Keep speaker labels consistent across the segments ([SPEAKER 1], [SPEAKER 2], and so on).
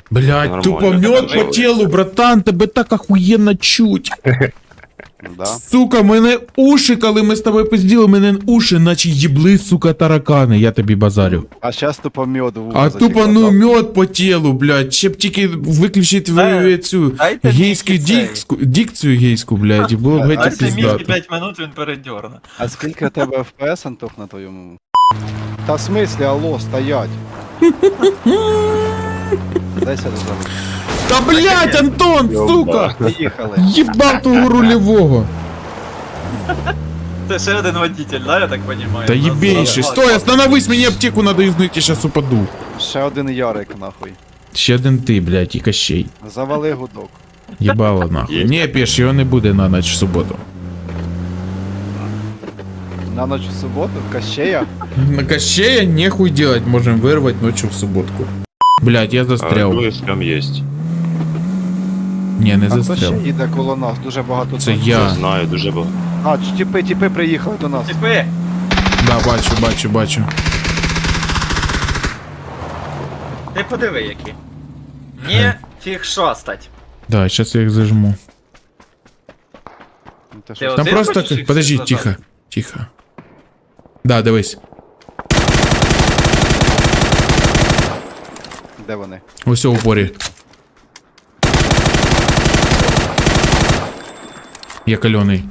[SPEAKER 1] Блядь,
[SPEAKER 2] Нормально.
[SPEAKER 1] тупо мед по телу, братан, тебе так охуєнно чуть.
[SPEAKER 3] Да.
[SPEAKER 1] Сука, мене уші, коли ми з тобою пизділи, мене уші, наче їбли, сука, таракани, я тобі базарю.
[SPEAKER 3] А щас тупо мед в
[SPEAKER 1] А тупо, ну, мед по тілу, блядь, ще б тільки виключити цю
[SPEAKER 4] Дайте
[SPEAKER 1] гейську
[SPEAKER 4] мені цей.
[SPEAKER 1] дикцію гейську, блядь, і було б геть
[SPEAKER 4] Дайте мені
[SPEAKER 1] піздато.
[SPEAKER 4] 5 минут, він передьорне.
[SPEAKER 3] А скільки у тебе FPS, Антох, на твоєму? Та в смислі, алло, стоять. Дай сюди зараз.
[SPEAKER 1] Та блядь, Антон, сука!
[SPEAKER 3] Поїхали.
[SPEAKER 1] Їбав того рульового.
[SPEAKER 4] Це ще один водитель, да, я так понимаю?
[SPEAKER 1] Та єбейший, стой, остановись, мені аптеку надо юзнуть, я щас упаду.
[SPEAKER 3] Ще один Ярик, нахуй.
[SPEAKER 1] Ще один ти, блядь, і Кощей.
[SPEAKER 3] Завали гудок.
[SPEAKER 1] Єбало нахуй. Ні, піш, його не буде на ніч в суботу.
[SPEAKER 3] На ніч в суботу, Кащея.
[SPEAKER 1] На Кощея нехуй делать, можем вырвать ночью в субботку. Блядь, я застрял.
[SPEAKER 2] Там есть.
[SPEAKER 1] Не, не
[SPEAKER 3] А хто
[SPEAKER 1] застрял.
[SPEAKER 3] ще їде коло нас? Дуже багато.
[SPEAKER 1] Це
[SPEAKER 3] тут.
[SPEAKER 1] я.
[SPEAKER 2] Не знаю, дуже багато.
[SPEAKER 3] А, тіпи приїхали до нас.
[SPEAKER 4] Типи!
[SPEAKER 1] Да, бачу.
[SPEAKER 4] Ти подиви які. Ні, фіг шостать.
[SPEAKER 1] Да, сейчас я их зажму.
[SPEAKER 3] Ну, ти
[SPEAKER 4] Ти
[SPEAKER 3] що,
[SPEAKER 1] Там
[SPEAKER 4] Один
[SPEAKER 1] просто...
[SPEAKER 4] хочеш їх
[SPEAKER 1] Подожди,
[SPEAKER 4] всіх
[SPEAKER 1] тихо,
[SPEAKER 4] зажати?
[SPEAKER 1] тихо. Да, дивись.
[SPEAKER 3] де вони?
[SPEAKER 1] Ось у упорі. Я кальоний.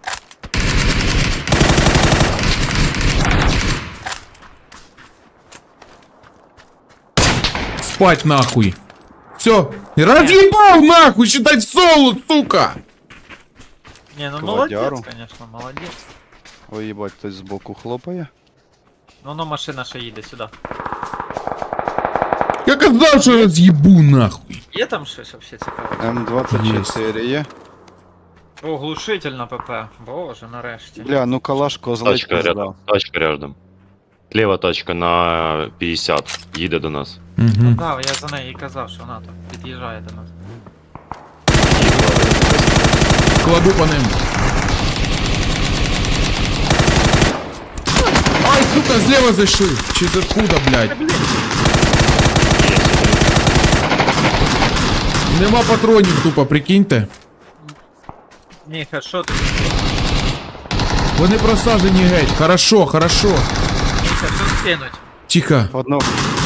[SPEAKER 1] Спать нахуй. Все. Разъебал нахуй, считай в соло, сука.
[SPEAKER 4] Ні, ну
[SPEAKER 3] Кладяру.
[SPEAKER 4] молодець, конечно, молодець.
[SPEAKER 3] Ой, їбать, хтось збоку хлопає.
[SPEAKER 4] Ну, машина ще їде сюди.
[SPEAKER 1] Я казав, що роз'їбу нахуй.
[SPEAKER 4] Є там щось вообще цікаве?
[SPEAKER 3] М24 є.
[SPEAKER 4] О, глушитель на ПП. Боже, нарешті.
[SPEAKER 3] Бля, ну калаш козлить
[SPEAKER 2] Тачка
[SPEAKER 3] пизда.
[SPEAKER 2] рядом. Тачка рядом. Ліва тачка на 50. Їде до нас.
[SPEAKER 1] Угу.
[SPEAKER 4] Так, я за нею і казав, що вона там під'їжджає до нас.
[SPEAKER 1] Кладу по ним. Ай, сука, зліва зайшли. Чи з откуда, блядь? Нема патронів тупо, прикиньте.
[SPEAKER 4] Ні, що ти?
[SPEAKER 1] Вони просажені геть. Хорошо.
[SPEAKER 4] Міша, що скинуть?
[SPEAKER 1] Тихо.
[SPEAKER 3] Одно.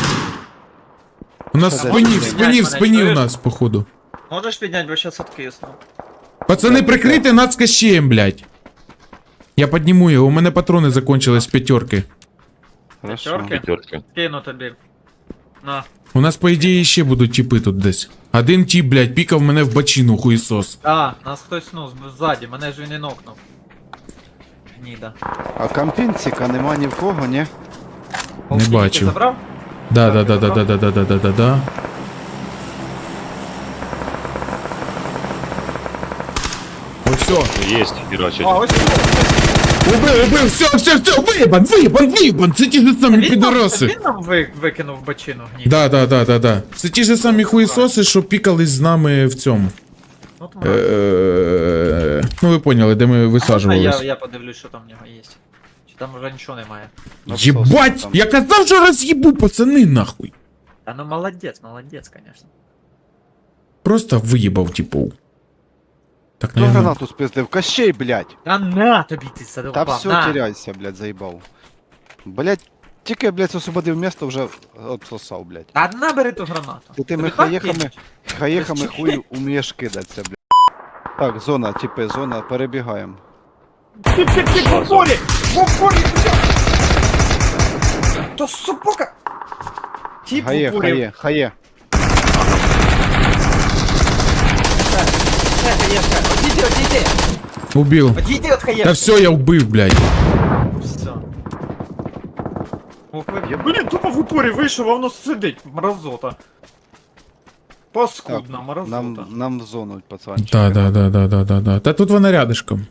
[SPEAKER 1] У нас в
[SPEAKER 3] Що
[SPEAKER 1] спині,
[SPEAKER 3] це?
[SPEAKER 1] в спині, в спині у
[SPEAKER 4] Чуєш?
[SPEAKER 1] нас, походу.
[SPEAKER 4] Можеш підняти, бо зараз откисну.
[SPEAKER 1] Пацани, прикрийте нас Кощеєм, блядь. Я підніму його, у мене патрони закончились з п'ятерки.
[SPEAKER 3] Хорошо.
[SPEAKER 4] П'ятерки?
[SPEAKER 2] П'ятерки.
[SPEAKER 4] Скину тобі. На.
[SPEAKER 1] У нас, по ідеї, ще будуть тіпи тут десь. Один тіп, блядь, пікав мене в бочину, хуїсос.
[SPEAKER 4] А, нас хтось, ну, ззаді, мене ж він і нокнув. Гніда.
[SPEAKER 3] А кампінціка нема ні в кого, ні?
[SPEAKER 4] Полтинник
[SPEAKER 1] бачив.
[SPEAKER 4] ти забрав?
[SPEAKER 1] Да. Ось все.
[SPEAKER 2] Есть, херачить.
[SPEAKER 4] А, ось
[SPEAKER 1] Убив, все, виїбан, це ті ж самі підороси.
[SPEAKER 4] Він нам викинув бочину гніда.
[SPEAKER 1] Да. Це ті ж самі хуїсоси, що пікались з нами в цьому.
[SPEAKER 4] От
[SPEAKER 1] Ну ви поняли, де ми висаджувались.
[SPEAKER 4] я подивлюсь, що там в нього є. Чи там вже нічого немає.
[SPEAKER 1] Єбать! Я казав, що роз'їбу, пацани, нахуй.
[SPEAKER 4] Та ну молодець, конечно.
[SPEAKER 1] Просто виїбав, типу. Так,
[SPEAKER 3] Хто
[SPEAKER 1] наверное.
[SPEAKER 3] гранату спиздив? Кащей, блядь!
[SPEAKER 4] Та на тобі ти
[SPEAKER 3] Та
[SPEAKER 4] задовбав,
[SPEAKER 3] все,
[SPEAKER 4] на.
[SPEAKER 3] теряйся, блядь, заїбав. Блядь, тільки, блядь, освободив місто, вже отсосав, блядь.
[SPEAKER 4] Та набери ту гранату.
[SPEAKER 3] Ти тими
[SPEAKER 4] Тобі так
[SPEAKER 3] хаєхами,
[SPEAKER 4] кинуть?
[SPEAKER 3] хаєхами
[SPEAKER 4] Без
[SPEAKER 3] хуй умієш кидатися, блядь. Так, зона, типи, зона, перебігаємо.
[SPEAKER 4] Тип, в упорі! То супока! Тип в
[SPEAKER 3] Хає,
[SPEAKER 4] упорі.
[SPEAKER 3] хає.
[SPEAKER 4] Хаєшка, одійди!
[SPEAKER 1] Убив.
[SPEAKER 4] Одійди от хаєшки!
[SPEAKER 1] Та все, я вбив, блядь.
[SPEAKER 4] Все. Блін, тупо в упорі вийшов, а воно сидить, мразота. Паскудна мразота.
[SPEAKER 3] Нам в зону, пацанчик.
[SPEAKER 1] Да. Та тут вона рядышком.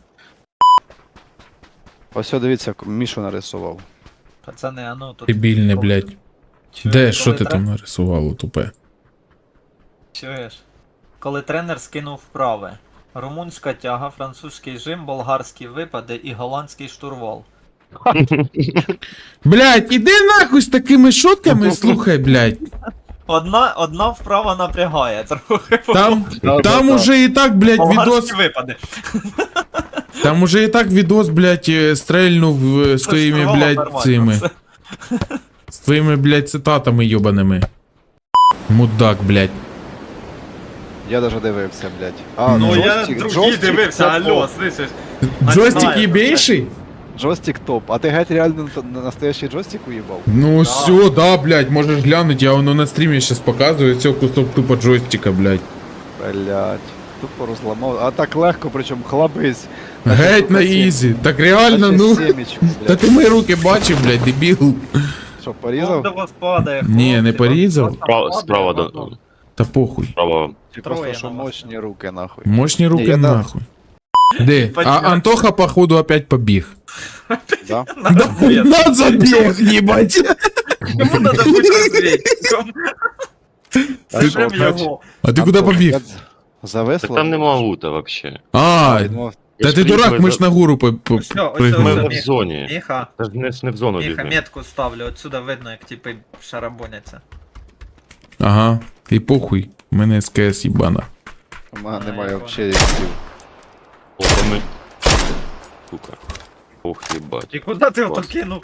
[SPEAKER 3] Ось, дивіться, як Мішу нарисував.
[SPEAKER 4] Пацани, а ну тут...
[SPEAKER 1] Дебільне, блядь.
[SPEAKER 4] Чуєш,
[SPEAKER 1] Де, що
[SPEAKER 4] коли
[SPEAKER 1] ти там нарисувало, тупе?
[SPEAKER 4] Чуєш? Коли тренер скинув вправи. Румунська тяга, французький жим, болгарські випади і голландський штурвал.
[SPEAKER 1] Блядь, іди нахуй з такими шутками, слухай, блядь.
[SPEAKER 4] одна вправа напрягає трохи.
[SPEAKER 1] Там уже і так, блядь, відос.
[SPEAKER 4] Болгарські випади.
[SPEAKER 1] Там уже і так відос, блядь, стрельнув з твоїми,
[SPEAKER 4] Спрацювало
[SPEAKER 1] блядь,
[SPEAKER 4] нормально
[SPEAKER 1] цими.
[SPEAKER 4] все.
[SPEAKER 1] З твоїми, блядь, цитатами йобаними. Мудак, блядь.
[SPEAKER 3] Я даже дивився, блядь. А,
[SPEAKER 4] Ну я
[SPEAKER 3] джойстик-
[SPEAKER 4] другий
[SPEAKER 3] джойстик
[SPEAKER 4] дивився,
[SPEAKER 3] це
[SPEAKER 4] алло,
[SPEAKER 3] топ.
[SPEAKER 4] слышиш?
[SPEAKER 1] Джойстик
[SPEAKER 4] знаю,
[SPEAKER 1] ебейший?
[SPEAKER 3] Джойстик топ. А ти геть реально настоящий джойстик уїбав?
[SPEAKER 1] Ну все, да, блядь, можеш глянуть, я воно на стрімі сейчас показую, все кусок тупо джойстика, блядь.
[SPEAKER 3] Блядь. Тупо розламав. А так легко, причому хлабись.
[SPEAKER 1] Геть на ізі. Так реально, ну.
[SPEAKER 3] Семечку,
[SPEAKER 1] Та
[SPEAKER 3] блядь.
[SPEAKER 1] ти мої руки бачив, блядь, дебіл.
[SPEAKER 3] Що,
[SPEAKER 4] Он
[SPEAKER 3] порізав?
[SPEAKER 4] до вас падає.
[SPEAKER 1] Ні, не
[SPEAKER 4] хлопці,
[SPEAKER 1] порізав.
[SPEAKER 4] он падає,
[SPEAKER 2] Справа
[SPEAKER 4] падає,
[SPEAKER 2] до...
[SPEAKER 1] Та похуй.
[SPEAKER 2] Справа.
[SPEAKER 3] Чи
[SPEAKER 4] Троє
[SPEAKER 3] просто, що
[SPEAKER 4] на вас.
[SPEAKER 3] мощні руки, нахуй.
[SPEAKER 1] Мощні руки
[SPEAKER 3] я да.
[SPEAKER 1] нахуй. Де? А
[SPEAKER 4] Понятно.
[SPEAKER 1] Антоха, походу, опять побіг.
[SPEAKER 3] Да?
[SPEAKER 4] На розвідку.
[SPEAKER 1] На забіг, їбать.
[SPEAKER 4] Кому надо бути розвідчиком?
[SPEAKER 3] А що,
[SPEAKER 4] Прям
[SPEAKER 3] опять?
[SPEAKER 4] його.
[SPEAKER 1] А ти куди побіг?
[SPEAKER 3] Завесло?
[SPEAKER 2] Так там нема лута вообще.
[SPEAKER 1] А,
[SPEAKER 3] Я думав,
[SPEAKER 1] та ти дурак, ми ж на гору
[SPEAKER 4] Ось, ось,
[SPEAKER 1] пригнули.
[SPEAKER 2] Ми
[SPEAKER 4] ось.
[SPEAKER 2] в зоні.
[SPEAKER 4] Міха,
[SPEAKER 2] Та ж не в зону
[SPEAKER 4] Міха,
[SPEAKER 2] бігли.
[SPEAKER 4] метку ставлю, отсюда видно, як типи шарабоняться.
[SPEAKER 1] Ага, і похуй. У мене СКС їбана.
[SPEAKER 3] у мене
[SPEAKER 4] А,
[SPEAKER 3] немає
[SPEAKER 4] я
[SPEAKER 3] взагалі сил.
[SPEAKER 2] О, то ми... Сука. Ох, їбать.
[SPEAKER 4] І куди ти ото
[SPEAKER 2] Клас.
[SPEAKER 4] кинув?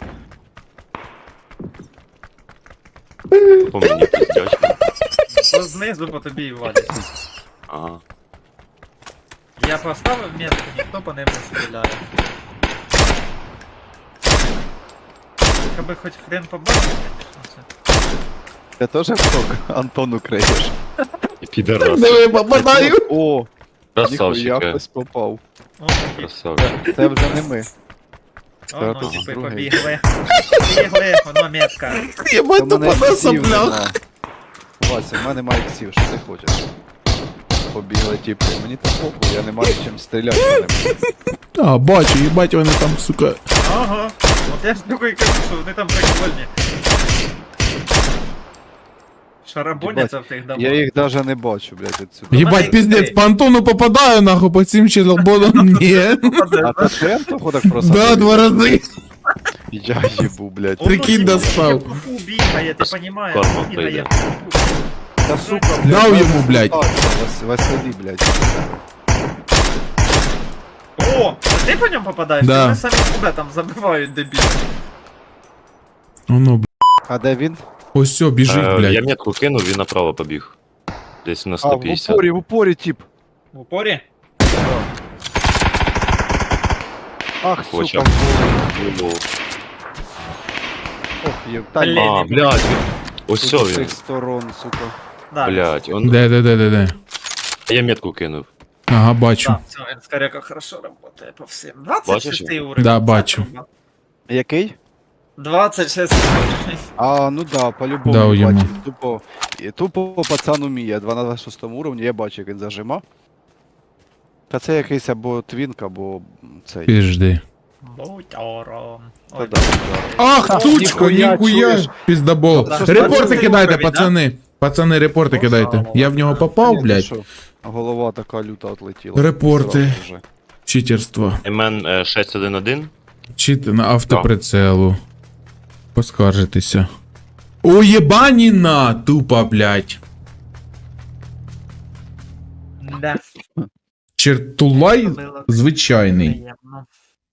[SPEAKER 2] По мені пиздячка.
[SPEAKER 4] То знизу по тобі і валять.
[SPEAKER 2] Ага.
[SPEAKER 4] Я поставив метку, ніхто по ним не стріляє. Аби хоч хрен побачив, звісно, це.
[SPEAKER 3] Ти теж вток Антону криєш?
[SPEAKER 2] І підарас.
[SPEAKER 1] Диви, попадаю.
[SPEAKER 3] О, ніхуя
[SPEAKER 2] Красавчик.
[SPEAKER 3] хтось попав.
[SPEAKER 4] О, такі.
[SPEAKER 2] Красавчик.
[SPEAKER 3] Це вже не ми.
[SPEAKER 4] О, ну,
[SPEAKER 3] тут
[SPEAKER 4] типи
[SPEAKER 3] другий.
[SPEAKER 4] побігли. Побігли, воно метка.
[SPEAKER 1] Єбать,
[SPEAKER 3] Та в мене
[SPEAKER 1] тупо на
[SPEAKER 3] іксів
[SPEAKER 1] соплях.
[SPEAKER 3] нема. Вася, в мене немає іксів, що ти хочеш? Побігли, типу, мені так похуй, я не маю чим стріляти по ним.
[SPEAKER 1] А, бачу, їбать, вони там, сука.
[SPEAKER 4] Ага. От я ж такий кажу, що вони там прикольні. Шарабоняться в тих домах.
[SPEAKER 3] Я їх даже не бачу, блядь, отсюди.
[SPEAKER 1] Їбать,
[SPEAKER 4] мене
[SPEAKER 1] піздець,
[SPEAKER 4] ікси.
[SPEAKER 1] по Антону попадаю, нахуй, по цим челободам, ні.
[SPEAKER 3] А то ти Антоху так просто?
[SPEAKER 1] Да, 2 рази.
[SPEAKER 3] Я їбу, блядь.
[SPEAKER 4] Он,
[SPEAKER 1] Прикинь,
[SPEAKER 4] ну,
[SPEAKER 1] достав.
[SPEAKER 4] типу, бігає, ти понімаєш?
[SPEAKER 2] Карма
[SPEAKER 4] Бігає.
[SPEAKER 2] прийде.
[SPEAKER 3] Та сука, блядь.
[SPEAKER 1] Дав
[SPEAKER 3] мене
[SPEAKER 1] йому, блядь.
[SPEAKER 3] Василі, блядь.
[SPEAKER 4] О, а ти по ньому попадаєш?
[SPEAKER 1] Да.
[SPEAKER 4] Вони самі себе там забивають, дебіли.
[SPEAKER 1] Воно, блядь.
[SPEAKER 3] А де він?
[SPEAKER 1] Ось все, біжить,
[SPEAKER 2] Я
[SPEAKER 1] блядь.
[SPEAKER 2] метку кинув, він направо побіг. Десь на
[SPEAKER 3] А, в
[SPEAKER 2] 150.
[SPEAKER 3] упорі, тип.
[SPEAKER 4] В упорі?
[SPEAKER 3] Ах,
[SPEAKER 2] Хоча
[SPEAKER 3] сука.
[SPEAKER 2] б.
[SPEAKER 3] Ох, є. Та
[SPEAKER 4] Блін.
[SPEAKER 3] ні.
[SPEAKER 2] А, блядь. Ось
[SPEAKER 3] Тут
[SPEAKER 2] все
[SPEAKER 3] з
[SPEAKER 2] він.
[SPEAKER 3] цих сторон, сука.
[SPEAKER 4] Да.
[SPEAKER 2] Блядь, он...
[SPEAKER 1] Де.
[SPEAKER 2] Я метку кинув.
[SPEAKER 1] Ага, бачу.
[SPEAKER 4] Да, все, Энскарека хорошо работает по всем. 26
[SPEAKER 2] Бачиш?
[SPEAKER 4] уровень.
[SPEAKER 1] Да, бачу.
[SPEAKER 3] Який?
[SPEAKER 4] 26 уровень.
[SPEAKER 3] А, ну да, по-любому
[SPEAKER 1] Дав йому.
[SPEAKER 3] бачив. Тупо пацан уміє. 2 на 26 уровні, я бачу, як він зажима. Та це якийсь або твінк, або цей.
[SPEAKER 1] Піжди.
[SPEAKER 4] Бутяром.
[SPEAKER 3] Та
[SPEAKER 4] Ой,
[SPEAKER 3] да, да.
[SPEAKER 1] Ах,
[SPEAKER 3] О,
[SPEAKER 1] тучка,
[SPEAKER 3] ніхуя,
[SPEAKER 1] ніхуя.
[SPEAKER 3] чуєш?
[SPEAKER 1] Піздабол.
[SPEAKER 3] Та що ж
[SPEAKER 1] Репорти
[SPEAKER 4] пацани
[SPEAKER 1] кидайте,
[SPEAKER 4] уровень, да?
[SPEAKER 1] пацани. Пацани, репорти
[SPEAKER 4] Ну,
[SPEAKER 1] кидайте.
[SPEAKER 4] слава
[SPEAKER 1] Я в нього попав,
[SPEAKER 3] Ні, ти
[SPEAKER 1] блядь.
[SPEAKER 3] що? Голова така люта отлетіла.
[SPEAKER 1] Репорти.
[SPEAKER 3] Зразу вже.
[SPEAKER 1] Читерство.
[SPEAKER 2] МН 611.
[SPEAKER 1] Чити на автоприцелу. Поскаржитися. О, єбаніна! Тупа, блядь.
[SPEAKER 4] Да.
[SPEAKER 1] Чертулай
[SPEAKER 4] Було
[SPEAKER 1] звичайний.
[SPEAKER 4] приємно.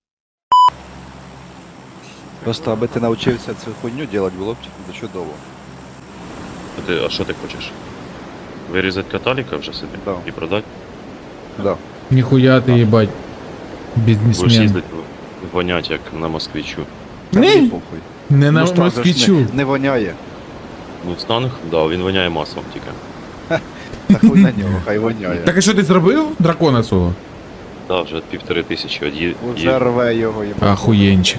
[SPEAKER 3] Просто аби ти навчився цю хуйню робити, було б чудово.
[SPEAKER 2] А що ти хочеш? Вирізати каталіка вже собі?
[SPEAKER 3] Да.
[SPEAKER 2] І продати?
[SPEAKER 3] Да.
[SPEAKER 1] Ніхуя ти, їбать.
[SPEAKER 2] Будеш
[SPEAKER 1] Бізнесмен.
[SPEAKER 2] їздити вонять, як на москвичу.
[SPEAKER 3] Та мені
[SPEAKER 1] Ні,
[SPEAKER 3] похуй.
[SPEAKER 1] не на
[SPEAKER 3] Ну, що,
[SPEAKER 1] москвичу.
[SPEAKER 3] Не воняє.
[SPEAKER 2] Мустанг? Да, він воняє маслом тільки.
[SPEAKER 3] Та хуй на нього, хай воняє.
[SPEAKER 1] Так а що ти зробив? Дракона свого?
[SPEAKER 2] Да, вже 1500
[SPEAKER 3] Уже рве його, їбать.
[SPEAKER 1] Ахуєнчик.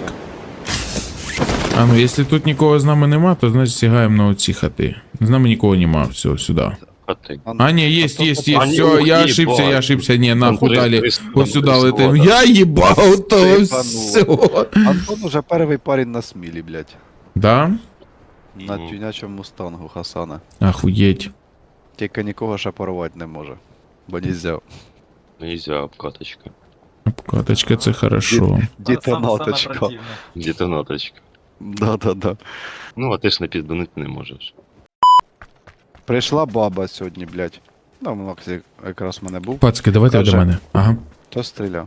[SPEAKER 1] А ну, якщо тут нікого з нами нема, то значить сягаємо на оці хати. З нами нікого нема, все, сюди.
[SPEAKER 2] хати.
[SPEAKER 1] А, ні, есть, есть,
[SPEAKER 2] А,
[SPEAKER 1] есть,
[SPEAKER 2] ні,
[SPEAKER 1] все,
[SPEAKER 2] ух,
[SPEAKER 1] я
[SPEAKER 2] їбать.
[SPEAKER 1] ошибся, не, нахуй
[SPEAKER 2] Там
[SPEAKER 1] дали.
[SPEAKER 2] 300,
[SPEAKER 1] Вот сюда
[SPEAKER 2] там
[SPEAKER 1] летим.
[SPEAKER 2] 300.
[SPEAKER 1] Я ебал, то
[SPEAKER 3] Ебануло.
[SPEAKER 1] все.
[SPEAKER 3] Антон уже перший парень на смілі, блядь.
[SPEAKER 1] Да?
[SPEAKER 3] На
[SPEAKER 2] Мгм.
[SPEAKER 3] тюнячому мустангу Хасана.
[SPEAKER 1] Охуеть.
[SPEAKER 3] Тільки нікого ще порвати не може. Бо нельзя.
[SPEAKER 2] Нельзя, обкаточка.
[SPEAKER 1] Обкаточка, це хорошо.
[SPEAKER 4] Саме
[SPEAKER 3] Дітонаточка.
[SPEAKER 4] противне.
[SPEAKER 2] Детонаточка.
[SPEAKER 3] Да-да-да.
[SPEAKER 2] Ну, а ти ж не підбанити не можеш.
[SPEAKER 3] Прийшла баба сьогодні, блядь. Ну, Макс якраз в мене був.
[SPEAKER 1] Пацки, давайте
[SPEAKER 3] Каже.
[SPEAKER 1] до мене. Ага.
[SPEAKER 3] То стріляв.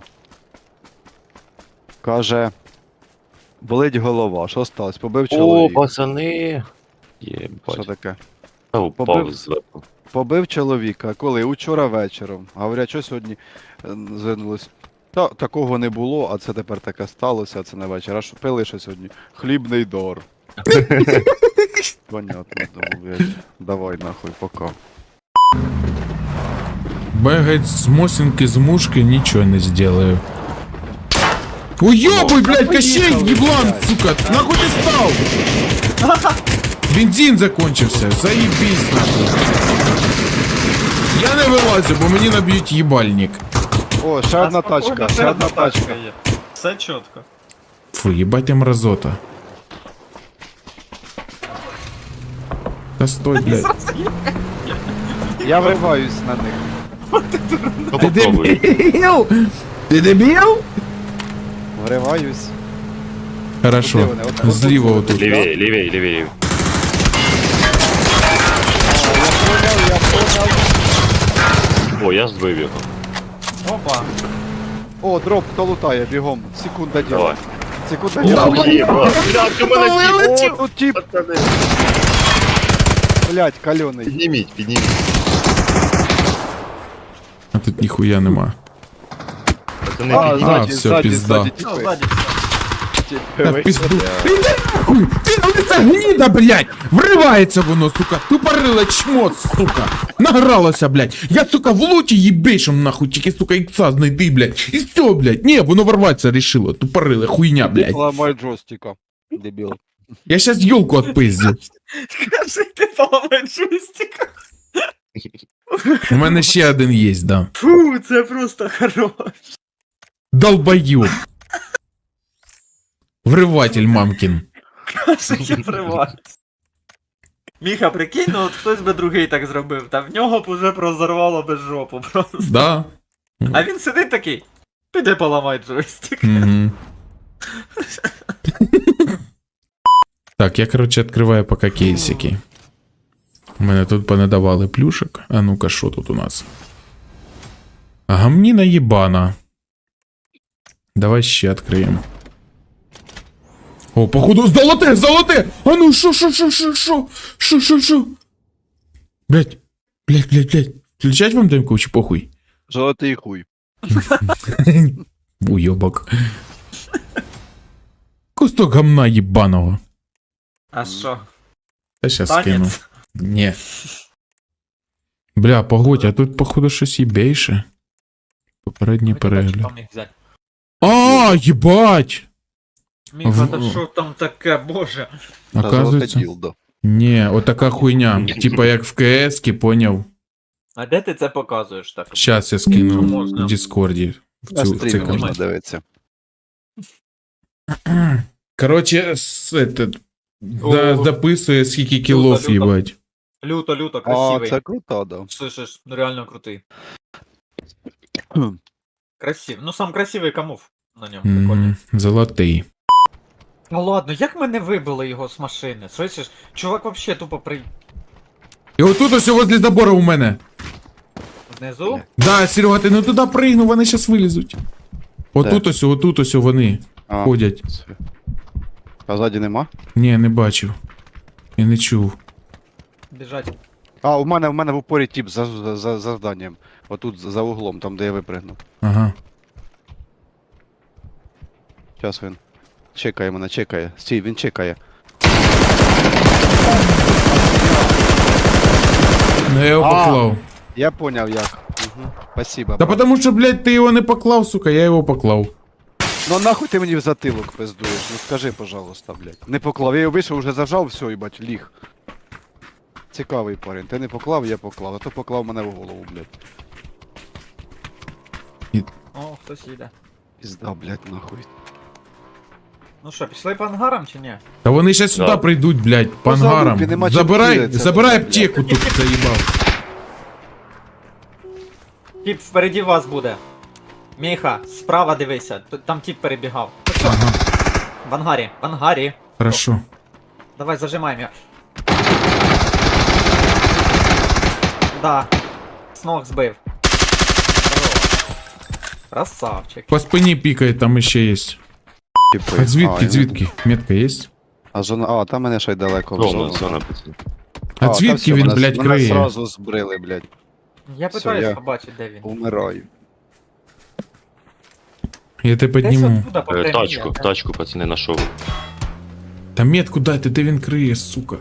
[SPEAKER 3] Каже. Болить голова, що сталося? Побив
[SPEAKER 2] О,
[SPEAKER 3] чоловік.
[SPEAKER 2] пацани!
[SPEAKER 3] Що
[SPEAKER 2] Єбать.
[SPEAKER 3] таке?
[SPEAKER 2] Та упав
[SPEAKER 3] побив?
[SPEAKER 2] зверху.
[SPEAKER 3] Побив чоловіка, коли? Учора вечором. Говорять, що сьогодні звернулись. Та такого не було, а це тепер таке сталося, а це не вечір. А що пили що сьогодні? Хлібний дор. Понятно, думаю, блядь. Давай нахуй, пока.
[SPEAKER 1] Бегать с мосинки, с мушки, ничего не сделаю. Уёбуй, блядь, Кощей, еблан, сука! Нахуй ты стал? Бензин закончился, заебись, нахуй. Я не вилазю, бо мені наб'ють їбальник.
[SPEAKER 3] О, ще одна тачка, ще одна тачка.
[SPEAKER 4] є. Все чітко.
[SPEAKER 1] Фу, їбать ти мразота. Та стой, блядь.
[SPEAKER 3] Я вриваюсь на них.
[SPEAKER 2] Ну попробуй.
[SPEAKER 1] дебіл? Ти дебіл?
[SPEAKER 3] Вриваюсь.
[SPEAKER 1] Хорошо,
[SPEAKER 3] Де вони? От-
[SPEAKER 1] зліва
[SPEAKER 3] от-
[SPEAKER 1] отут.
[SPEAKER 2] Лівее, лівее, лівее.
[SPEAKER 3] Я понял.
[SPEAKER 2] О, я збив його.
[SPEAKER 4] Опа.
[SPEAKER 3] О, дроп, хто лутає, бігом. Секунда діла.
[SPEAKER 2] Давай.
[SPEAKER 3] Секунда діла.
[SPEAKER 2] Єбать, блядь, у мене тіп.
[SPEAKER 3] О, тут тип,
[SPEAKER 2] Пацани.
[SPEAKER 3] блядь, кальоний.
[SPEAKER 2] Підніміть, підніміть.
[SPEAKER 1] А тут ніхуя нема.
[SPEAKER 2] Пацани,
[SPEAKER 3] А,
[SPEAKER 2] підніміть.
[SPEAKER 3] ззаді,
[SPEAKER 1] все,
[SPEAKER 3] ззаді,
[SPEAKER 1] пізда.
[SPEAKER 3] ззаді,
[SPEAKER 4] Ну,
[SPEAKER 3] типи.
[SPEAKER 4] ззаді все.
[SPEAKER 1] Та пізду. Іди нахуй! Ти лиця гніда, блядь! Вривається воно, сука! Тупорила чмот, сука! Награлося, блядь! Я, сука, в луті їбейшим, нахуй, тільки, сука, ікса знайди, блядь! І все, блядь! Ні, воно ворватися рішило, тупориле, хуйня, блядь!
[SPEAKER 3] Ламай джойстика, дебіл.
[SPEAKER 1] Я щас ёлку отпиздю.
[SPEAKER 4] Скажи, ти поламай джойстик.
[SPEAKER 1] У мене ще один є, да.
[SPEAKER 4] Фу, це просто хорош.
[SPEAKER 1] Долбоёб. Вриватель мамкін.
[SPEAKER 4] Каже, я приват. Міха, прикинь, ну от хтось би другий так зробив, та в нього б уже прозорвало без жопу просто.
[SPEAKER 1] Да.
[SPEAKER 4] А він сидить такий, піди поламай джойстик.
[SPEAKER 1] Мгм. Так, я, короче, відкриваю поки кейсики. У мене тут понадавали плюшек. А ну-ка, що тут у нас? Гамніна єбана. Давай ще відкриємо. О, походу, золоте, золоте! А ну, шо? Блять, блять. Включать вам демку чи похуй?
[SPEAKER 3] Золотий хуй.
[SPEAKER 1] Уйобок. Кусток гамна єбаного.
[SPEAKER 4] А що?
[SPEAKER 1] Та щас скину.
[SPEAKER 4] Танець?
[SPEAKER 1] Ні. Бля, погодь, а тут, походу, щось їбейше. Попередній перегляд.
[SPEAKER 4] Міг взяти.
[SPEAKER 1] А, їбать!
[SPEAKER 4] Міха, та що там таке, боже?
[SPEAKER 3] Та золоте
[SPEAKER 1] Оказується.
[SPEAKER 3] ділдо.
[SPEAKER 1] Ні, отака хуйня. Типа як в КС-ки, поняв.
[SPEAKER 4] А де ти це показуєш так?
[SPEAKER 1] Щас я скину
[SPEAKER 4] Можна.
[SPEAKER 1] в Діскорді.
[SPEAKER 3] На
[SPEAKER 1] В цю
[SPEAKER 3] стрімі можна
[SPEAKER 1] канал.
[SPEAKER 3] дивитися.
[SPEAKER 1] Короче, записує скільки кілов,
[SPEAKER 4] люто.
[SPEAKER 1] їбать.
[SPEAKER 4] Люто,
[SPEAKER 3] А,
[SPEAKER 4] красивий.
[SPEAKER 3] це круто, да.
[SPEAKER 4] Слышиш, ну реально крутий.
[SPEAKER 3] Хм.
[SPEAKER 4] Красивий. Ну сам красивий камуф на ньому, прикольний.
[SPEAKER 1] Золотий.
[SPEAKER 4] Ну ладно, як ми не вибили його з машини? Слышиш, чувак вообще тупо при...
[SPEAKER 1] І отут ось возле забора у мене.
[SPEAKER 4] Знизу?
[SPEAKER 1] Да, Серега, ти не туди пригнув, вони щас вилізуть. Отут ось вони
[SPEAKER 3] А,
[SPEAKER 1] ходять.
[SPEAKER 3] це. А ззаді нема?
[SPEAKER 1] Ні, не бачив. Я не чув.
[SPEAKER 4] Біжать.
[SPEAKER 3] А, у мене в упорі тип за завданням. Отут за углом, там де я випригнув.
[SPEAKER 1] Ага.
[SPEAKER 3] Зараз він. Чекає мене, чекає. Стій, він чекає.
[SPEAKER 1] Ну я його
[SPEAKER 3] А.
[SPEAKER 1] поклав.
[SPEAKER 3] Я поняв як. Угу. Спасибо.
[SPEAKER 1] Та
[SPEAKER 3] брат.
[SPEAKER 1] потому що, блядь, ти його не поклав, сука, я його поклав.
[SPEAKER 3] Ну нахуй ти мені в затилок пиздуєш? Ну скажи, пожалуйста, блядь. Не поклав. Я його вийшов, уже зажав, все, їбать, ліг. Цікавий парень. Ти не поклав, я поклав, а то поклав мене в голову, блядь.
[SPEAKER 4] О, хтось їде.
[SPEAKER 3] Пізда, блядь, нахуй.
[SPEAKER 4] Ну що, пішли по ангарам чи ні?
[SPEAKER 1] Та вони ще сюди
[SPEAKER 2] Да.
[SPEAKER 1] прийдуть, блядь, по
[SPEAKER 3] Ну,
[SPEAKER 1] ангарам.
[SPEAKER 3] залупі, нема чим
[SPEAKER 1] Забирай
[SPEAKER 3] кидатися,
[SPEAKER 1] забирай
[SPEAKER 3] блядь.
[SPEAKER 1] аптеку тут, заїбав.
[SPEAKER 4] Тіп впереді вас буде. Міха, справа дивися, там тіп перебігав.
[SPEAKER 1] Ага,
[SPEAKER 4] В ангарі.
[SPEAKER 1] хорошо.
[SPEAKER 4] Давай зажимаємо. Да. З ног збив. Здорово. Красавчик.
[SPEAKER 1] По спині пікає, там іще є.
[SPEAKER 3] Типи.
[SPEAKER 1] А звідки,
[SPEAKER 3] він-
[SPEAKER 1] звідки? Метка є?
[SPEAKER 3] А зона, а, там мене ще й далеко в
[SPEAKER 2] Зона,
[SPEAKER 3] зону.
[SPEAKER 2] зона, пацан.
[SPEAKER 1] А
[SPEAKER 3] та
[SPEAKER 1] звідки
[SPEAKER 3] все,
[SPEAKER 1] він,
[SPEAKER 3] мене-
[SPEAKER 1] блядь,
[SPEAKER 3] мене
[SPEAKER 1] криє?
[SPEAKER 3] сразу збрили, блядь.
[SPEAKER 4] Я
[SPEAKER 3] Все,
[SPEAKER 4] питаюсь
[SPEAKER 3] я-
[SPEAKER 4] побачити, де він.
[SPEAKER 3] Умираю.
[SPEAKER 1] Я тебе
[SPEAKER 4] Десь
[SPEAKER 1] підніму.
[SPEAKER 4] оттуда по прямій,
[SPEAKER 2] Тачку,
[SPEAKER 4] а?
[SPEAKER 2] тачку, пацани, нашов.
[SPEAKER 1] Та метку дайте, де він криє, сука.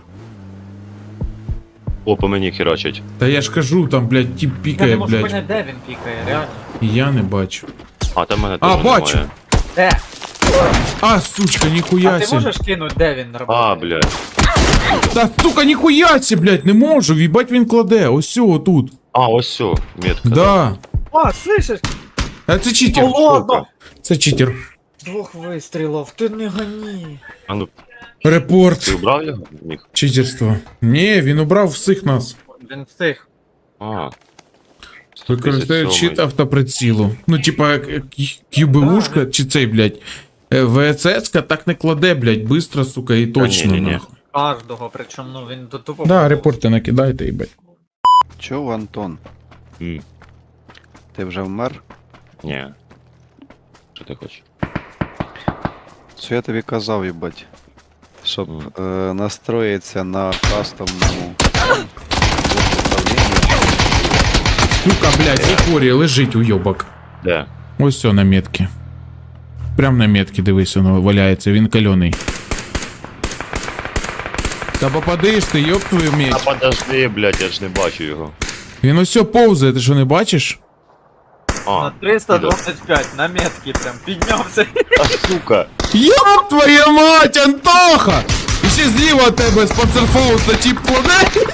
[SPEAKER 2] О, по мені херачать.
[SPEAKER 1] Та я ж кажу, там, блядь, тип
[SPEAKER 4] Я не
[SPEAKER 1] пікає,
[SPEAKER 4] можу
[SPEAKER 1] блядь.
[SPEAKER 4] поняти, де він пікає, реально.
[SPEAKER 1] І я не бачу.
[SPEAKER 2] А, там мене
[SPEAKER 1] А,
[SPEAKER 2] теж
[SPEAKER 1] бачу.
[SPEAKER 2] немає.
[SPEAKER 4] Де?
[SPEAKER 1] А, сучка,
[SPEAKER 4] А
[SPEAKER 1] ніхуя
[SPEAKER 4] ти
[SPEAKER 1] сі.
[SPEAKER 4] можеш кинути, де він працює?
[SPEAKER 2] А, блядь.
[SPEAKER 1] Та, сука, ніхуя сі, блядь, не можу, їбать він кладе, ось сього тут.
[SPEAKER 2] А, ось все, метка.
[SPEAKER 1] Да.
[SPEAKER 4] А, слышиш?
[SPEAKER 1] А це читер.
[SPEAKER 4] О, ладно!
[SPEAKER 1] Це читер.
[SPEAKER 4] З двох вистрілів, ти не гоні.
[SPEAKER 2] А ну,
[SPEAKER 1] Репорт.
[SPEAKER 2] ти убрав його? Міг.
[SPEAKER 1] Читерство. Ні, він убрав всіх нас.
[SPEAKER 4] Він встиг.
[SPEAKER 2] А.
[SPEAKER 1] Використовує
[SPEAKER 2] 157-й.
[SPEAKER 1] чит автоприцілу. Ну, типа, QBU-шка, чи цей, блядь, ВСС-ка так не кладе, блядь, быстро, сука, і точно,
[SPEAKER 2] ні-ні-ні.
[SPEAKER 1] нахуй.
[SPEAKER 4] Кожного, причому, ну він до тупо.
[SPEAKER 1] Да, репорти накидайте, їбать.
[SPEAKER 3] Чого, Антон?
[SPEAKER 2] М,
[SPEAKER 3] Ти вже вмер?
[SPEAKER 2] Ні. Що ти хочеш?
[SPEAKER 3] Що я тобі казав, їбать? Щоб
[SPEAKER 2] Мгм.
[SPEAKER 3] настроїтися на кастомному управлінні.
[SPEAKER 1] Сука, блядь, і хорі, лежить уйобок.
[SPEAKER 2] Де?
[SPEAKER 1] Ось все на метці. Прям на метці, дивись, воно валяється, він кальоний. Та попадиш ти, ёб твою
[SPEAKER 2] А
[SPEAKER 1] медь.
[SPEAKER 2] подожди, блядь, я ж не бачу його.
[SPEAKER 1] Він ось повзає, ти що не бачиш?
[SPEAKER 2] А,
[SPEAKER 4] На 325, на метки прям піднявся.
[SPEAKER 2] сука.
[SPEAKER 1] Ёб твою мать, Антоха! І ще зліва від тебе з панцерфауста тип кладе.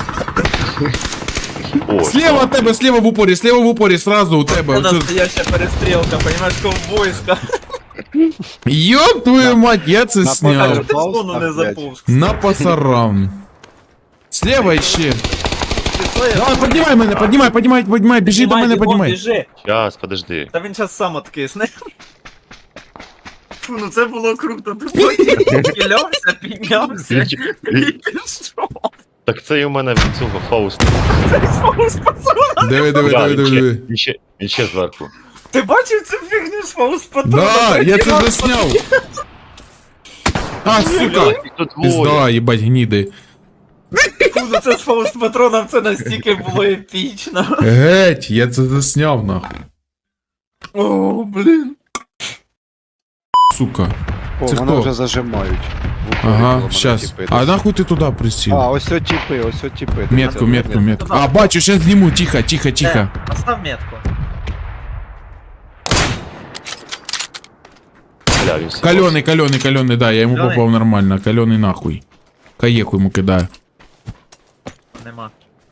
[SPEAKER 2] О,
[SPEAKER 1] Слева от тебе, слева в упорі, сразу у тебе.
[SPEAKER 4] Це
[SPEAKER 1] Оце-
[SPEAKER 4] настояща перестрілка, понімаєш, ковбойська.
[SPEAKER 1] Ёб твою мать, я це
[SPEAKER 3] на
[SPEAKER 4] А
[SPEAKER 1] сняв.
[SPEAKER 4] чого ти в зону не
[SPEAKER 3] блядь.
[SPEAKER 4] заповз?
[SPEAKER 1] На пасарам. Слева ще.
[SPEAKER 4] Ти що, я-
[SPEAKER 1] Давай, поднимай, біжи до мене,
[SPEAKER 4] Бігом,
[SPEAKER 1] поднимай.
[SPEAKER 4] біжи.
[SPEAKER 2] Щас, подожди.
[SPEAKER 4] Та він зараз сам откисне. Фу, ну це було круто. Ти піднявся, піднявся і пішов.
[SPEAKER 2] Так це і у мене від цього Фауста.
[SPEAKER 4] Це фаус патрона.
[SPEAKER 1] Диви, диви.
[SPEAKER 2] Він ще зверху.
[SPEAKER 4] Ти бачив цю фігню з фаус патрона?
[SPEAKER 1] Да, я це засняв. А, сука.
[SPEAKER 2] Їх тут двоє.
[SPEAKER 1] Пизда, їбать, гніди.
[SPEAKER 4] Фу, ну це з фаус патроном, це настільки було епічно.
[SPEAKER 1] Геть, я це засняв, нахуй.
[SPEAKER 4] О, блін.
[SPEAKER 1] Сука.
[SPEAKER 3] О,
[SPEAKER 1] Це
[SPEAKER 3] мене
[SPEAKER 1] хто?
[SPEAKER 3] вже зажимають. В упорі коло
[SPEAKER 1] Ага,
[SPEAKER 3] мене
[SPEAKER 1] щас.
[SPEAKER 3] тіпи.
[SPEAKER 1] А нахуй ти туди присів?
[SPEAKER 3] А, ось от тіпи, ось от тіпи.
[SPEAKER 1] Метку. А, бачу, щас зніму, тихо.
[SPEAKER 4] Постав метку.
[SPEAKER 2] Бля, він всі-
[SPEAKER 1] Кальоний, да, я йому
[SPEAKER 4] Кальоний?
[SPEAKER 1] попав нормально. Кальоний нахуй. Каєху йому кидаю.
[SPEAKER 4] Нема.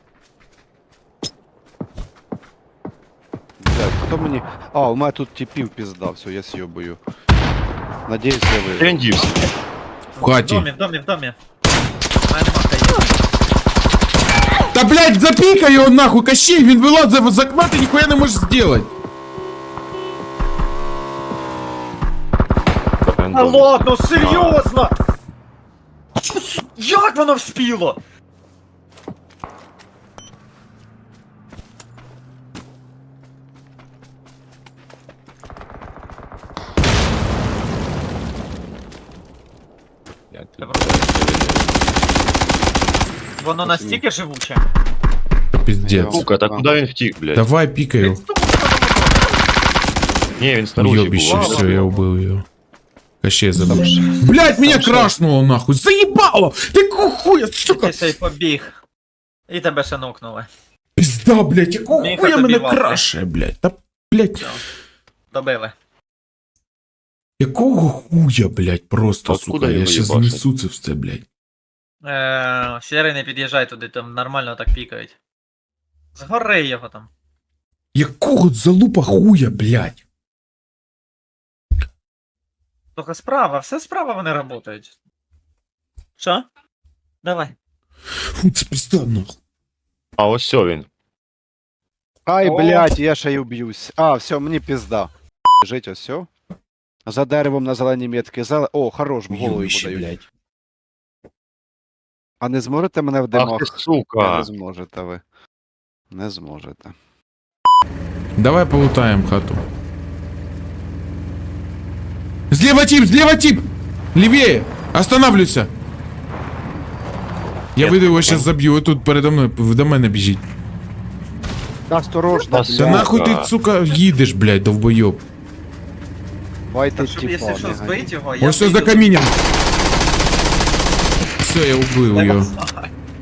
[SPEAKER 3] Блядь, хто мені... А, у мене тут тіпів пізда, все, я с'єбую. Надіюсь, я
[SPEAKER 2] Де
[SPEAKER 3] вижу.
[SPEAKER 2] він дівся?
[SPEAKER 1] В хаті.
[SPEAKER 4] В домі. У мене нема каїв.
[SPEAKER 1] Та, блядь, запікай його нахуй, Кощей, він вилазив з окна, ти ніхуя не можеш зробити.
[SPEAKER 4] А ладно, серйозно! Як воно вспіло? Воно настільки живуче.
[SPEAKER 1] Піздець.
[SPEAKER 2] Сука, так куди він втік, блядь?
[SPEAKER 1] Давай, пікай його.
[SPEAKER 2] Ні, він снаружи
[SPEAKER 1] Уйобище,
[SPEAKER 2] був.
[SPEAKER 1] все, я убил ее. Кощей забыл. Блять, меня крашнуло нахуй, заебало! Ты какого хуя, сука!
[SPEAKER 4] Ти ще й побіг. І тебе ще нокнули.
[SPEAKER 1] Пизда, блять, якого
[SPEAKER 4] Міха
[SPEAKER 1] хуя
[SPEAKER 4] тобі
[SPEAKER 1] мене
[SPEAKER 4] валки.
[SPEAKER 1] краше, блять? Та, блять,
[SPEAKER 4] Добили.
[SPEAKER 1] якого хуя, блять, просто,
[SPEAKER 2] Откуда
[SPEAKER 1] сука, я
[SPEAKER 2] його
[SPEAKER 1] ще
[SPEAKER 2] їбашить?
[SPEAKER 1] знесу це все, блять.
[SPEAKER 4] Сірий, не під'їжджай туди, там нормально так пікають. Згори його там.
[SPEAKER 1] Якого залупа хуя, блять?
[SPEAKER 4] Тільки справа, все справа вони працюють. Що? Давай.
[SPEAKER 1] Фу, це пизда, нахуй.
[SPEAKER 2] А ось все він.
[SPEAKER 3] Ай,
[SPEAKER 4] О.
[SPEAKER 3] блядь, я ще й уб'юсь. А, все, мені пізда. Жить, ось все. За деревом на зеленій метки. О, хорош, в голову йому
[SPEAKER 1] Уйобище,
[SPEAKER 3] дають.
[SPEAKER 1] блять.
[SPEAKER 3] А не зможете мене в
[SPEAKER 2] Ах
[SPEAKER 3] димах?
[SPEAKER 2] ти,
[SPEAKER 3] Не
[SPEAKER 2] сука.
[SPEAKER 3] зможете ви. Не зможете.
[SPEAKER 1] Давай полутаем хату. Слева тип! Левее! Останавливайся! Я выйду его сейчас забью, вот тут передо мною, до мене біжить.
[SPEAKER 3] Осторожно,
[SPEAKER 2] Да
[SPEAKER 1] Да
[SPEAKER 3] блядь.
[SPEAKER 1] нахуй ти, сука, їдеш, блядь, довбойоб.
[SPEAKER 3] Байте
[SPEAKER 4] Щоб,
[SPEAKER 3] тіпа,
[SPEAKER 4] якщо що,
[SPEAKER 3] не
[SPEAKER 4] збить його, я
[SPEAKER 1] Ось все за
[SPEAKER 4] вийду.
[SPEAKER 1] камінням. Все, я убив
[SPEAKER 4] Я
[SPEAKER 1] його.
[SPEAKER 4] знаю.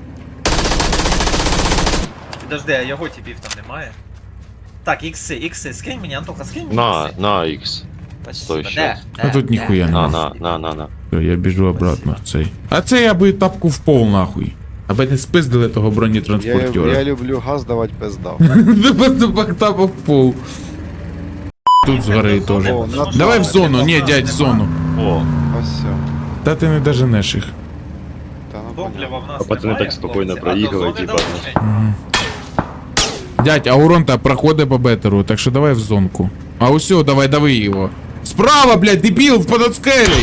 [SPEAKER 4] Підожди, а його типів там немає? Так, ікси, скинь мені, Антоха, скинь мені
[SPEAKER 2] На,
[SPEAKER 4] ікси.
[SPEAKER 2] на X.
[SPEAKER 4] Спасибо.
[SPEAKER 2] стой,
[SPEAKER 4] Де?
[SPEAKER 2] щас.
[SPEAKER 1] А тут ніхуя
[SPEAKER 2] На,
[SPEAKER 1] нема.
[SPEAKER 2] на.
[SPEAKER 1] Все, я біжу обратно в цей. А це я би тапку в пол нахуй. Аби не спиздили того
[SPEAKER 3] Я
[SPEAKER 1] бронетранспортера.
[SPEAKER 3] люблю газ давати пиздав.
[SPEAKER 1] Тапа в пол. Тут згори теж.
[SPEAKER 3] О, на-
[SPEAKER 1] Давай в зону, ні, дядь, в зону.
[SPEAKER 2] О,
[SPEAKER 3] Ось все.
[SPEAKER 1] Та ти не доженеш їх.
[SPEAKER 3] Та ну
[SPEAKER 4] Топлива
[SPEAKER 3] понятно.
[SPEAKER 4] в нас
[SPEAKER 2] А пацани
[SPEAKER 4] немає,
[SPEAKER 2] так спокійно
[SPEAKER 4] хлопці,
[SPEAKER 2] проїхали,
[SPEAKER 4] а до зони
[SPEAKER 2] типа.
[SPEAKER 4] далечень.
[SPEAKER 1] Дядь, а урон-то проходить по бетеру, так що давай в зонку. А усьо, давай, дави його. Справа, блядь, дебіл, под скелей!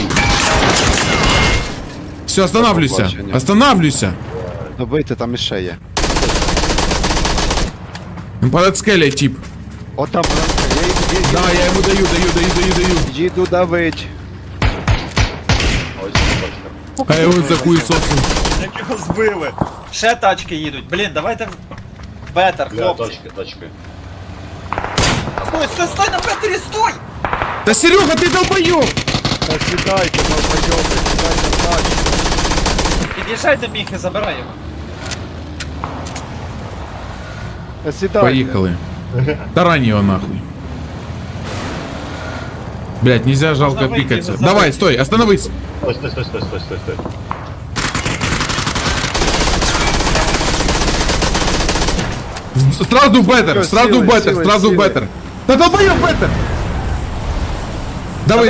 [SPEAKER 1] Все, останавливайся,
[SPEAKER 3] побачення.
[SPEAKER 1] останавливайся.
[SPEAKER 3] Добийте, там іще є.
[SPEAKER 1] Под скелей, тип.
[SPEAKER 3] От там вона.
[SPEAKER 1] Да, я йому даю.
[SPEAKER 3] Їду давить.
[SPEAKER 1] А я його за хуєсосом.
[SPEAKER 4] Як його збили. Ще тачки їдуть. Блін, давайте в бетер,
[SPEAKER 2] бля,
[SPEAKER 4] хлопці.
[SPEAKER 2] тачки.
[SPEAKER 4] Стой на бетері, стой!
[SPEAKER 1] Та Серега, ти долбойоб!
[SPEAKER 3] Та сідайте, долбойоби, сідайте в тачку.
[SPEAKER 4] Під'їжджай до Міхи, забирай його.
[SPEAKER 3] Та сідайте.
[SPEAKER 1] Поїхали. Тарань його нахуй. Блядь, нельзя жалко
[SPEAKER 4] Можно выйти,
[SPEAKER 1] пикаться.
[SPEAKER 4] можно
[SPEAKER 1] Давай,
[SPEAKER 4] выйти.
[SPEAKER 1] стой, остановись.
[SPEAKER 2] Стой.
[SPEAKER 1] Сразу в беттер,
[SPEAKER 3] Всё,
[SPEAKER 1] сразу в
[SPEAKER 3] силой,
[SPEAKER 1] беттер,
[SPEAKER 3] силой,
[SPEAKER 1] сразу в
[SPEAKER 3] силой.
[SPEAKER 1] беттер. Да долбоёб беттер! Давай.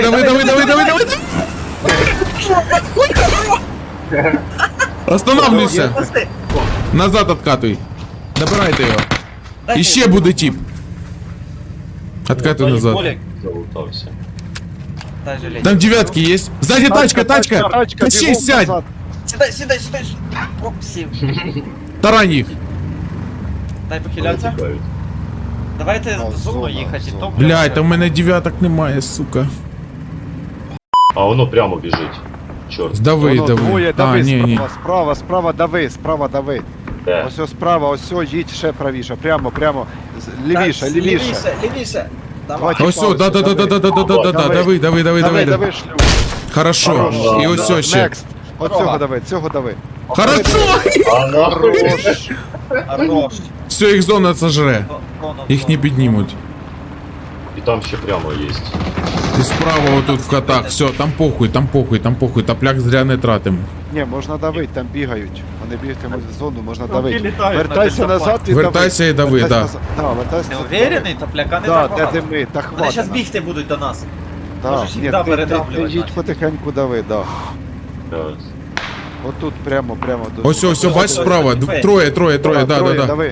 [SPEAKER 1] Останавливайся.
[SPEAKER 4] Пусти.
[SPEAKER 1] Назад откатывай. Добирайте його.
[SPEAKER 4] Дайте
[SPEAKER 1] І ще
[SPEAKER 4] йому.
[SPEAKER 1] буде тип. Откатывай назад.
[SPEAKER 4] Болік,
[SPEAKER 2] Залутався.
[SPEAKER 4] дай жалеть.
[SPEAKER 1] Там девятки есть. Сзади тачка.
[SPEAKER 3] Тачка,
[SPEAKER 1] Качей,
[SPEAKER 3] бігом
[SPEAKER 1] сядь.
[SPEAKER 3] назад.
[SPEAKER 4] Сідай. Оп, сів.
[SPEAKER 1] Тарань їх.
[SPEAKER 4] Дай похилятися.
[SPEAKER 2] Тікають.
[SPEAKER 4] Давайте
[SPEAKER 3] Ну,
[SPEAKER 4] в зону
[SPEAKER 3] зона,
[SPEAKER 4] їхати і
[SPEAKER 3] зона.
[SPEAKER 4] топ.
[SPEAKER 1] Блядь, там у мене дев'яток немає, сука.
[SPEAKER 2] А воно прямо біжить. Чорт.
[SPEAKER 1] Дави.
[SPEAKER 3] Воно двоє,
[SPEAKER 1] А,
[SPEAKER 3] дави
[SPEAKER 1] ні.
[SPEAKER 3] справа, справа дави.
[SPEAKER 2] Де?
[SPEAKER 3] Ось справа, ось їдь ще правіше, прямо, лівіше.
[SPEAKER 4] Лівіше. Давай.
[SPEAKER 3] Давай.
[SPEAKER 1] Ось, дави.
[SPEAKER 3] Дави шлюб.
[SPEAKER 1] Хорошо.
[SPEAKER 2] Хорошо.
[SPEAKER 1] І ось ще.
[SPEAKER 3] Next. От цього дави.
[SPEAKER 1] Хорошо.
[SPEAKER 2] А нахуй.
[SPEAKER 3] Хорош.
[SPEAKER 4] Хорош.
[SPEAKER 1] Все, їх зона сожре. Їх не піднімуть.
[SPEAKER 2] І там ще прямо є.
[SPEAKER 1] І справа отут в хатах. Все, там похуй. Тапляк зря не тратим.
[SPEAKER 3] Ні, можна давити, там бігають. Вони бігатимуть в зону, можна давити.
[SPEAKER 4] літають
[SPEAKER 3] Вертайся
[SPEAKER 4] на
[SPEAKER 3] назад і дави.
[SPEAKER 1] Вертайся і дави,
[SPEAKER 3] Вертайся
[SPEAKER 1] да.
[SPEAKER 3] назад. Да, вертайся
[SPEAKER 4] Ти
[SPEAKER 3] назад.
[SPEAKER 4] уверений? Топляка не
[SPEAKER 3] Да,
[SPEAKER 4] так
[SPEAKER 3] де
[SPEAKER 4] багато.
[SPEAKER 3] дими, та
[SPEAKER 4] Вони зараз
[SPEAKER 3] хватить.
[SPEAKER 4] бігти будуть до нас.
[SPEAKER 3] Да.
[SPEAKER 4] Можеш їх,
[SPEAKER 3] Ні,
[SPEAKER 4] да,
[SPEAKER 3] ти
[SPEAKER 4] передавлювати
[SPEAKER 3] їдь
[SPEAKER 4] наче.
[SPEAKER 3] потихеньку дави, да.
[SPEAKER 2] Раз.
[SPEAKER 3] Отут прямо до
[SPEAKER 1] Ось,
[SPEAKER 3] зони.
[SPEAKER 1] бач справа. Троє, да.
[SPEAKER 3] Дави.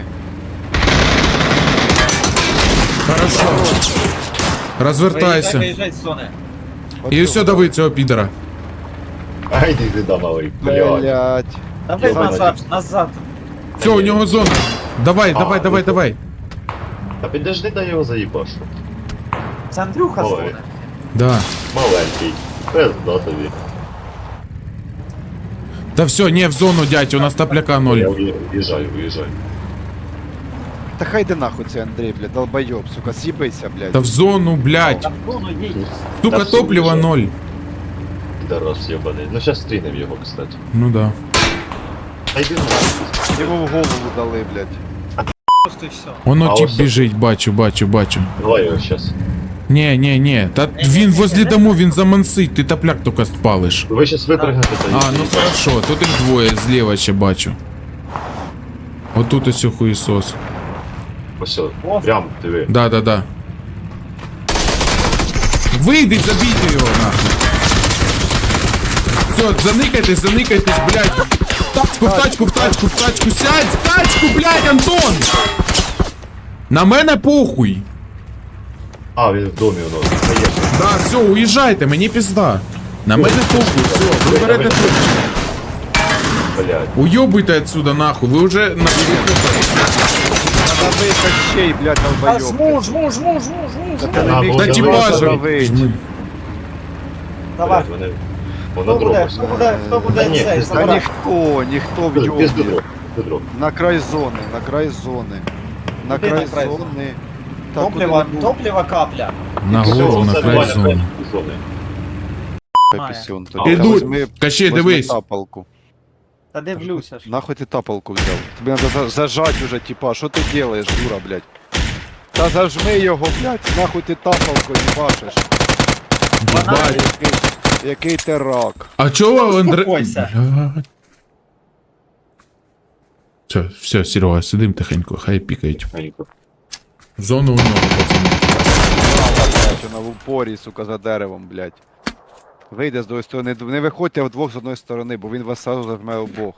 [SPEAKER 1] Хорошо. Розвертайся.
[SPEAKER 4] Виїжджай з зони.
[SPEAKER 1] І все, дави цього підера.
[SPEAKER 2] Ай, іди сюди, малий. Блядь.
[SPEAKER 3] Блять.
[SPEAKER 4] Давай
[SPEAKER 2] Йобаний.
[SPEAKER 4] назад.
[SPEAKER 1] Все, у нього зона. Давай.
[SPEAKER 2] Та підожди, дай його заїбашу.
[SPEAKER 4] Це Андрюха з
[SPEAKER 2] Ой.
[SPEAKER 4] зони.
[SPEAKER 1] Да.
[SPEAKER 2] Маленький. Пизда тобі.
[SPEAKER 1] Та все, не в зону, дядь, у нас тапляка
[SPEAKER 2] Я
[SPEAKER 1] ноль.
[SPEAKER 2] уїжджаю.
[SPEAKER 3] Та хай де нахуй цей Андрій, блядь, долбойоб, сука, з'їбися, блядь.
[SPEAKER 1] Та в зону, блядь.
[SPEAKER 4] Та в зону їдь.
[SPEAKER 1] Сука,
[SPEAKER 2] Та все,
[SPEAKER 1] топлива
[SPEAKER 2] уїжджай.
[SPEAKER 1] ноль.
[SPEAKER 2] Підарас єбаний. Ну щас стрінем його, кстати.
[SPEAKER 1] Ну да.
[SPEAKER 2] Та йди нахуй.
[SPEAKER 3] Йому в голову дали, блядь.
[SPEAKER 4] Просто і все.
[SPEAKER 1] Воно
[SPEAKER 2] А
[SPEAKER 1] тип
[SPEAKER 2] ось-
[SPEAKER 1] біжить, бачу.
[SPEAKER 2] Давай його щас.
[SPEAKER 1] Не. Та він возле дому, він замансить, ти тапляк тільки спалиш.
[SPEAKER 2] Ви щас випрыгнете, та
[SPEAKER 1] А, ну хорошо, тут їх двоє, зліва ще бачу. Отут ось хуєсос.
[SPEAKER 2] Ось, прям, диви.
[SPEAKER 1] Да. Вийди, забійте його нахуй. Все, заникайтесь, блядь. В тачку, сядь, в тачку, блядь, Антон! На мене похуй.
[SPEAKER 2] А, він в домі у нас. Поїхали.
[SPEAKER 1] Да, все, уїжджайте, мені пізда. На мене похуй, все, ви берете тут.
[SPEAKER 2] Блядь.
[SPEAKER 1] Уйобуйте отсюда нахуй, ви вже на
[SPEAKER 3] Жми кощей, блядь,
[SPEAKER 4] Та
[SPEAKER 3] долбойоб.
[SPEAKER 4] жму.
[SPEAKER 3] Та ти не
[SPEAKER 2] А,
[SPEAKER 3] міг
[SPEAKER 2] було
[SPEAKER 1] Та
[SPEAKER 3] тебе
[SPEAKER 1] тіпа же.
[SPEAKER 3] задавить.
[SPEAKER 4] Давай.
[SPEAKER 2] Блядь, вони...
[SPEAKER 4] Хто
[SPEAKER 2] Вона
[SPEAKER 4] буде,
[SPEAKER 2] дропа.
[SPEAKER 4] хто буде
[SPEAKER 2] Та ні,
[SPEAKER 4] цей?
[SPEAKER 2] ти
[SPEAKER 3] Та
[SPEAKER 4] Забирай.
[SPEAKER 3] ніхто в
[SPEAKER 2] Без
[SPEAKER 3] йобі.
[SPEAKER 2] дроп. Без дроп.
[SPEAKER 3] На край зони, на край зони. На
[SPEAKER 4] Куди
[SPEAKER 3] край
[SPEAKER 4] на край
[SPEAKER 3] зони. Та
[SPEAKER 4] Топлива,
[SPEAKER 3] куди
[SPEAKER 4] топлива капля.
[SPEAKER 1] Нагору, на край зони.
[SPEAKER 3] Пісюн
[SPEAKER 2] А,
[SPEAKER 3] тобі.
[SPEAKER 1] Ідуть.
[SPEAKER 3] Возьми-
[SPEAKER 1] Кащей,
[SPEAKER 3] возьми
[SPEAKER 1] дивись.
[SPEAKER 3] тапалку.
[SPEAKER 4] Та дивлюся ж.
[SPEAKER 3] Нахуй ти тапалку взяв? Тобі треба зажать уже, типа, що ти делаєш, дура, блядь? Та зажми його, блядь, нахуй ти тапалку їбашиш.
[SPEAKER 1] Єбать.
[SPEAKER 3] Який ти рак.
[SPEAKER 1] А чого Андре...
[SPEAKER 4] Успокойся.
[SPEAKER 1] Блядь. Все, Серега, сидим тихенько, хай пікають. Зону у нього, пацани.
[SPEAKER 3] Блядь, вона в упорі, сука, за деревом, блядь. Вийде з другої сторони, не виходьте вдвох з одної сторони, бо він вас сразу зажме обох.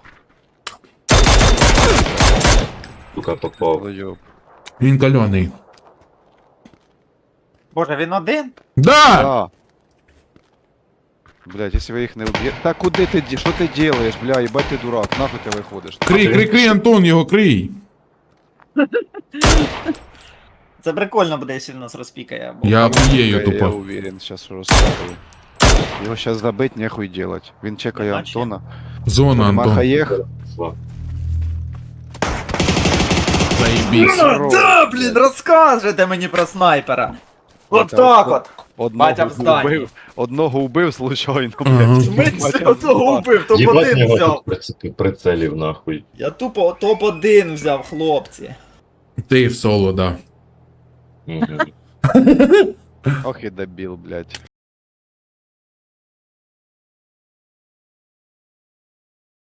[SPEAKER 2] Сука, попав.
[SPEAKER 3] Долбойоб.
[SPEAKER 1] Він кальоний.
[SPEAKER 4] Боже, він один?
[SPEAKER 1] Да!
[SPEAKER 3] Да. Блядь, если вы их не убьете... Да куди ти, що ти делаешь, бля, ебать ти дурак, нахуй ти виходиш?
[SPEAKER 1] Крий, Антон, його крий.
[SPEAKER 4] Це прикольно буде, якщо він нас розпікає. Бо...
[SPEAKER 1] Я охуєю
[SPEAKER 3] Я
[SPEAKER 1] тупо.
[SPEAKER 3] уверен, сейчас що розкажу. Його сейчас забить, нехуй делать. Він чекає
[SPEAKER 4] Іначе.
[SPEAKER 3] Антона.
[SPEAKER 1] Зона, Антон.
[SPEAKER 3] Махаєх.
[SPEAKER 1] Заєбісь.
[SPEAKER 4] Да, блін, розкажете мені про снайпера. От
[SPEAKER 3] Батя,
[SPEAKER 4] так от.
[SPEAKER 3] Одного
[SPEAKER 4] Батя в зданні.
[SPEAKER 3] убив, одного убив случайно,
[SPEAKER 1] Ага.
[SPEAKER 3] блядь.
[SPEAKER 4] Смисл, одного убив,
[SPEAKER 2] Єбать
[SPEAKER 4] топ-1
[SPEAKER 2] його
[SPEAKER 4] взяв.
[SPEAKER 2] тут прицелів нахуй.
[SPEAKER 4] Я тупо топ-1 взяв, хлопці.
[SPEAKER 1] Ти в соло, да.
[SPEAKER 2] Мгм.
[SPEAKER 3] Ох і дебіл, блядь.